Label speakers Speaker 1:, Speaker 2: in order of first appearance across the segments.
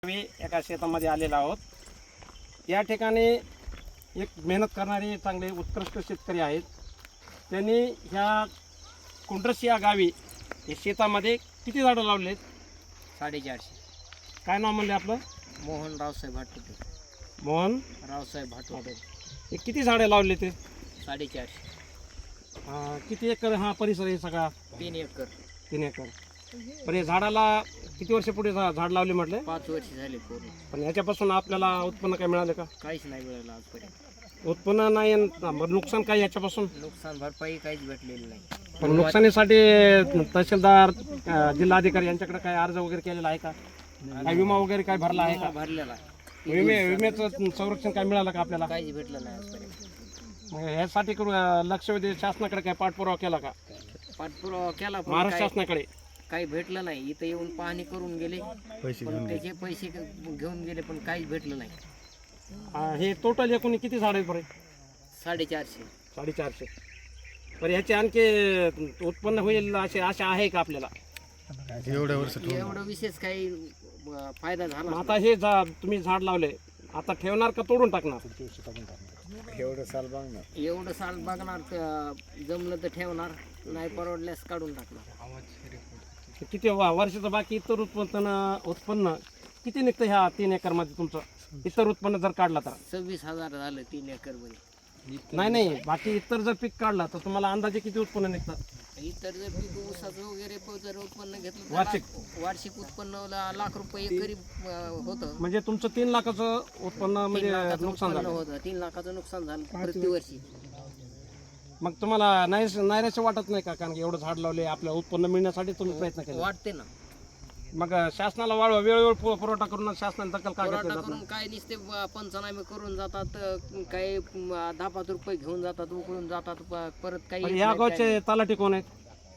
Speaker 1: मी एका शेतामध्ये आलेलो आहोत। या ठिकाणी एक मेहनत करणारे चांगले उत्कृष्ट शेतकरी आहेत। त्यांनी ह्या कुंड्रस या गावी या शेतामध्ये किती झाडं लावलेत?
Speaker 2: 450।
Speaker 1: काय नाव म्हणले आपलं?
Speaker 2: मोहन रावसाहेब भाटुटे।
Speaker 1: मोहन
Speaker 2: रावसाहेब भाटुटे।
Speaker 1: हे किती झाडे लावले ते?
Speaker 2: 450।
Speaker 1: किती एकर हा परिसर आहे सगळा?
Speaker 2: 3 एकर।
Speaker 1: 3 एकर। पण हे झाडाला किती वर्ष पुढे झाड लावले म्हटले?
Speaker 2: 5 वर्ष झाले पूर्ण।
Speaker 1: पण याच्यापासून आपल्याला उत्पन्न काय मिळाले का?
Speaker 2: काहीच नाही मिळालं आजपर्यंत।
Speaker 1: उत्पन्न नाही नुकसान काय याच्यापासून?
Speaker 2: नुकसान भरपाई काहीच भेटलेली नाही।
Speaker 1: पण नुकसानीसाठी तहसीलदार जिल्हाधिकारी यांच्याकडे काय अर्ज वगैरे केलेला आहे का? काय विमा वगैरे काय भरला आहे का?
Speaker 2: भरलेला।
Speaker 1: विम्याचं संरक्षण काय मिळालं का आपल्याला?
Speaker 2: काहीच भेटलं नाही आजपर्यंत।
Speaker 1: मग ह्यासाठी लक्ष वेधी शासनाकडे काय पाठपुरावा केला का?
Speaker 2: पाठपुरावा केला पण
Speaker 1: महाराष्ट्र शासनाकडे
Speaker 2: काही भेटलं नाही। इथं येऊन पाहणी करून गेले, पण त्याचे पैसे घेऊन गेले, पण काहीच भेटलं नाही।
Speaker 1: हे टोटल एकूण किती झाड आहेत बरे?
Speaker 2: 450।
Speaker 1: 450। बरं ह्याचे आणखी उत्पन्न होईल अशी आशा आहे का आपल्याला?
Speaker 2: एवढं विशेष काही फायदा झाला
Speaker 1: मग आता हे तुम्ही झाड लावले, आता ठेवणार का तोडून टाकणार?
Speaker 2: एवढं साल बघणार, जमलं तर ठेवणार, नाही परवडल्यास काढून टाकणार।
Speaker 1: किती वर्षाचं बाकी इतर उत्पन्न किती निघतं ह्या 3 एकर मध्ये तुमचं? इतर उत्पन्न जर काढला तर
Speaker 2: 26,000 झालं 3 एकर मध्ये।
Speaker 1: नाही बाकी इतर जर पीक काढला तर तुम्हाला अंदाजे किती उत्पन्न निघतं?
Speaker 2: इतर जर पीक ऊसाचं वगैरे जर उत्पन्न घेतलं तर वार्षिक उत्पन्न लाख रुपये एकरी होतं।
Speaker 1: म्हणजे तुमचं 3 लाखाचं उत्पन्न म्हणजे नुकसान झालं
Speaker 2: होतं। 3 लाखाचं नुकसान झालं प्रतिवर्षी।
Speaker 1: मग तुम्हाला नाहीराशे वाटत नाही का? कारण की एवढं झाड लावले, आपलं उत्पन्न मिळण्यासाठी तुम्ही प्रयत्न केले।
Speaker 2: वाटते ना।
Speaker 1: मग शासनाला वेळोवेळ पुरवठा करून शासनाने दखल का घेतली जात
Speaker 2: करून काय नुसते पंचनामे करून जातात, काही 10-5 रुपये घेऊन जातात, उकळून जातात, परत काही
Speaker 1: नाही? या गावचे तलाठी कोण आहेत?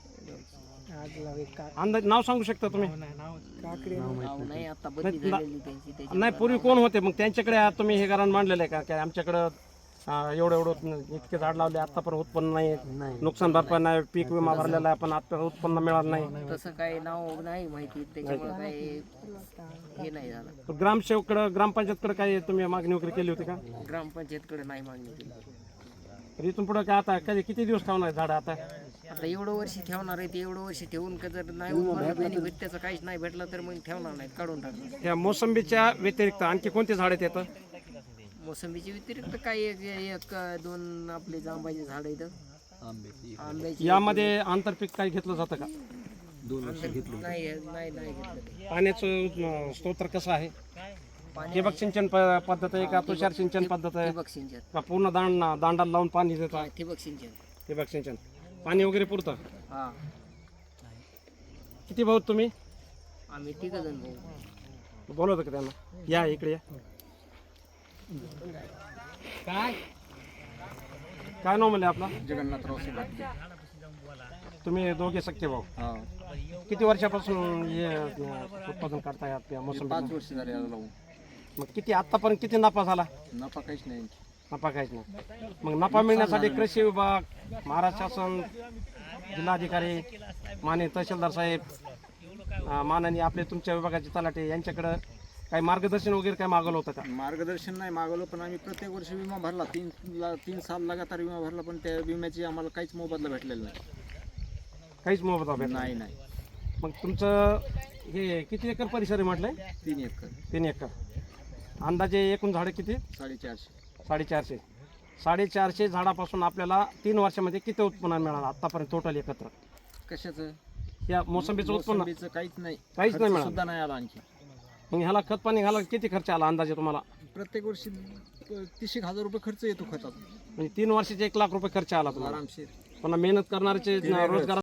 Speaker 1: अंदाज नाव सांगू शकता तुम्ही?
Speaker 2: नाही, आता बदली झालेली त्यांची।
Speaker 1: नाही, पूर्वी कोण होते? मग त्यांच्याकडे तुम्ही हे कारण मांडलेलं आहे का की आमच्याकडं एवढं इतके झाड लावले, आता पण उत्पन्न नाही, नुकसान भरपाई नाही, पीक विमा भरलेला आहे पण आता उत्पन्न मिळालं नाही?
Speaker 2: तसं काही नाव नाही माहिती, त्याच्यामुळे काही हे नाही झालं।
Speaker 1: ग्रामसेवकडे ग्रामपंचायतकडे काय तुम्ही मागणी वगैरे केली होती का?
Speaker 2: ग्रामपंचायतकडे नाही मागणी केली।
Speaker 1: तर इथून पुढे काय आता किती दिवस ठेवणार आहे झाड? आता
Speaker 2: एवढं वर्षी ठेवणार आहे ते, एवढं वर्षी ठेवून का जर नाही बेनिफिट त्याचं काहीच नाही भेटलं तर मग ठेवणार नाही, काढून टाकणार।
Speaker 1: या मोसंबीच्या व्यतिरिक्त आणखी कोणते झाड आहेत?
Speaker 2: मोसंबीच्या व्यतिरिक्त काही एक 2 आपले जांबाचे झाड आहेत, आंब्याची।
Speaker 1: यामध्ये आंतरपीक काही घेतलं जातं का?
Speaker 2: 2 वर्ष घेतलं नाही घेतलं।
Speaker 1: पाण्याचं स्तोत्र कसं आहे? ठिबक सिंचन पद्धत आहे का तुषार सिंचन पद्धत आहे
Speaker 2: ठिबक सिंचन
Speaker 1: का पूर्ण दांडाला लावून पाणी देतात?
Speaker 2: ठिबक सिंचन।
Speaker 1: ठिबक सिंचन पाणी वगैरे पुरतं?
Speaker 2: हा।
Speaker 1: किती भाऊ तुम्ही?
Speaker 2: आम्ही 3 जण भाऊ।
Speaker 1: बोलवतं का त्यांना? या इकडे या। काय नाव म्हणले आपला?
Speaker 2: जगन्नाथ रावसाहेब।
Speaker 1: तुम्ही दोघे सख्खे भाऊ? किती वर्षापासून हे उत्पादन करताय मोसंबी?
Speaker 2: 5 वर्ष झाले लावून।
Speaker 1: मग किती आतापर्यंत किती नफा झाला?
Speaker 2: नफा काहीच नाही।
Speaker 1: नफा काहीच नाही। मग नफा मिळण्यासाठी कृषी विभाग, महाराष्ट्र शासन, जिल्हाधिकारी, माननीय तहसीलदार साहेब, माननीय आपले तुमच्या विभागाचे तलाठी यांच्याकडं काही मार्गदर्शन वगैरे काय मागवलं होतं का?
Speaker 3: मार्गदर्शन नाही मागवलं, पण आम्ही प्रत्येक वर्षी विमा भरला। 3 साल लगातार विमा भरला, पण त्या विम्याची आम्हाला काहीच मोबदला भेटलेला नाही।
Speaker 1: काहीच मोबदला भेटला
Speaker 3: नाही।
Speaker 1: मग तुमचं हे किती एकर परिसर आहे म्हटलंय?
Speaker 3: 3 एकर।
Speaker 1: 3 एकर। अंदाजे एकूण झाडं किती?
Speaker 3: 450।
Speaker 1: 450। 450 झाडापासून आपल्याला 3 वर्षामध्ये किती उत्पन्न मिळालं आतापर्यंत टोटल एकत्र?
Speaker 3: कशाचं?
Speaker 1: या मोसंबीचं उत्पन्न
Speaker 3: काहीच नाही
Speaker 1: मिळालं
Speaker 3: सुद्धा नाही आला आणखी।
Speaker 1: मग ह्याला खत पाणी घालायला किती खर्च आला अंदाजे तुम्हाला?
Speaker 3: प्रत्येक वर्षी 30,000 रुपये खर्च येतो खताचा।
Speaker 1: म्हणजे 3 वर्षाचे 1 लाख रुपये खर्च आला तुम्हाला
Speaker 3: आरामशीर।
Speaker 1: पुन्हा मेहनत करणाऱ्याचे रोजगार